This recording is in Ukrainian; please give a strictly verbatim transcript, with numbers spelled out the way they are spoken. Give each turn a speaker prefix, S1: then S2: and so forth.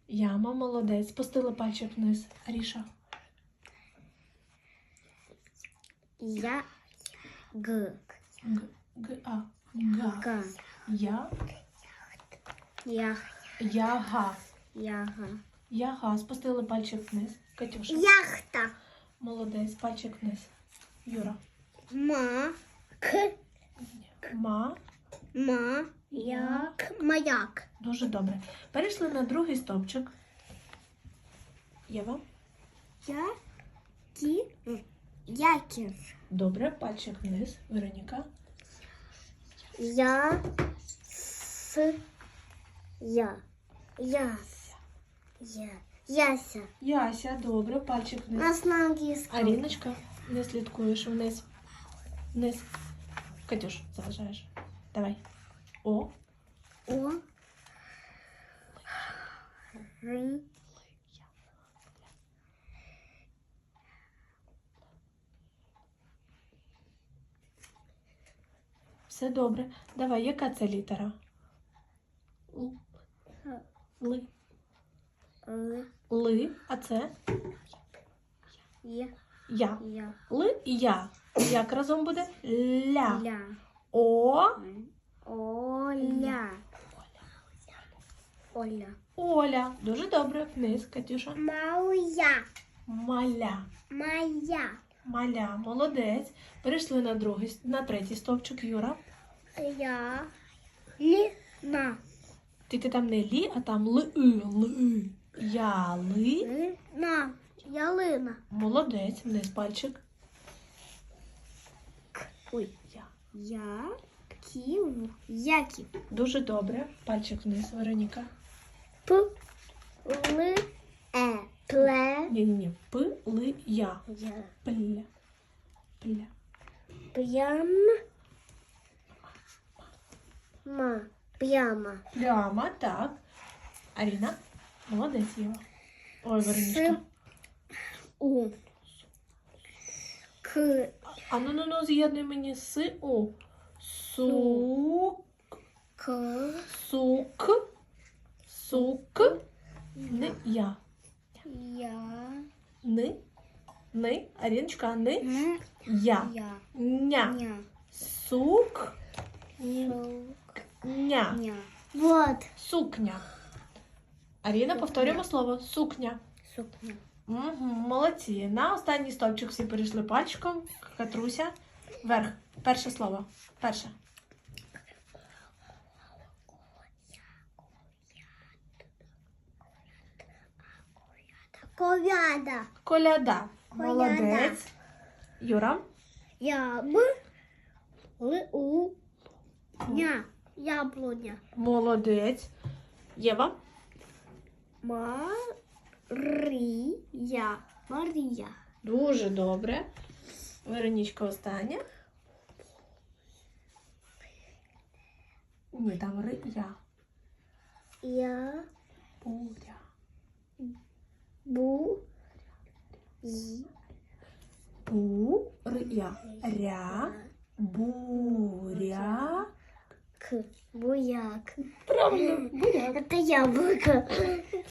S1: Яма, молодець. Спустили пальчик вниз. Аріша.
S2: Я. Г.
S1: Г, г, а. Га.
S2: Г.
S1: Я.
S2: Я.
S1: Яга.
S2: Яга.
S1: Яга. Спустили пальчик вниз. Катюша.
S2: Яхта.
S1: Молодець. Пальчик вниз. Юра.
S2: Ма. К.
S1: Ма.
S2: Ма. Як. Маяк.
S1: Дуже добре. Перейшли на другий стовпчик. Єва.
S2: Я. Кі. Які.
S1: Добре. Пальчик вниз. Вероніка.
S2: Я. С. Я. Я. Я. Яся.
S1: Яся. Добре. Пальчик
S2: У
S1: вниз.
S2: нас на англійському.
S1: Аріночка. Не слідкуєш вниз. Вниз. Катюш, заважаєш. Давай. О.
S2: О. Р.
S1: Все добре. Давай, яка це літера? Ли.
S2: Л.
S1: Ли. А це?
S2: Я.
S1: Я.
S2: Я.
S1: Ли і я. Як разом буде? Ля.
S2: Ля.
S1: О.
S2: Оля. Оля.
S1: Оля. Дуже добре. Вниз, Катюша.
S2: Моя.
S1: Маля.
S2: Моя.
S1: Маля. Молодець. Перейшли на другий, на третій стовпчик. Юра.
S2: Я. Ліна.
S1: Тільки там не лі, а там ли. Ли. Я ли.
S2: Лина. Ялина.
S1: Молодець. Вниз пальчик.
S2: Ой.
S1: Я.
S2: Я. Ків. Яків.
S1: Дуже добре. Пальчик вниз, Вероніка.
S2: П. Л. Е. Пле.
S1: Ні-ні-ні. П, ли, я.
S2: Я.
S1: Пля. Пля.
S2: Прям. Ма. Прямо.
S1: Пляма, так. Аріна. Молодець, Єва. Ой, Веронічка.
S2: У. К.
S1: А ну ну ну з'єднуй мені с, у. Сук.
S2: К.
S1: Сук. Сук. Не я.
S2: Я.
S1: Ни. Ни. Аріночка, ни.
S2: Н.
S1: Я.
S2: Я.
S1: Ня.
S2: Ня.
S1: Сук.
S2: Сук.
S1: Ня.
S2: Ня. Вот.
S1: Сукня. Аріна, повторюємо слово. Сукня.
S2: Сукня.
S1: Угу, молодці. На останній стовпчик всі перейшли пальчиком. Катруся. Вверх. Перше слово. Перше.
S2: Ковяда.
S1: Коляда.
S2: Коляда.
S1: Молодець. Юра.
S2: Я. Б. Л. У. Ня. Яблуня.
S1: Молодець. Єва.
S2: Марія. Марія.
S1: Дуже добре. Веронічка остання. Ні, там ри, я.
S2: Я.
S1: Буря.
S2: Бу. Й.
S1: Бу, ри, я. Ря. Буря.
S2: К. Буяк.
S1: Правильно, буряк.
S2: Это яблоко.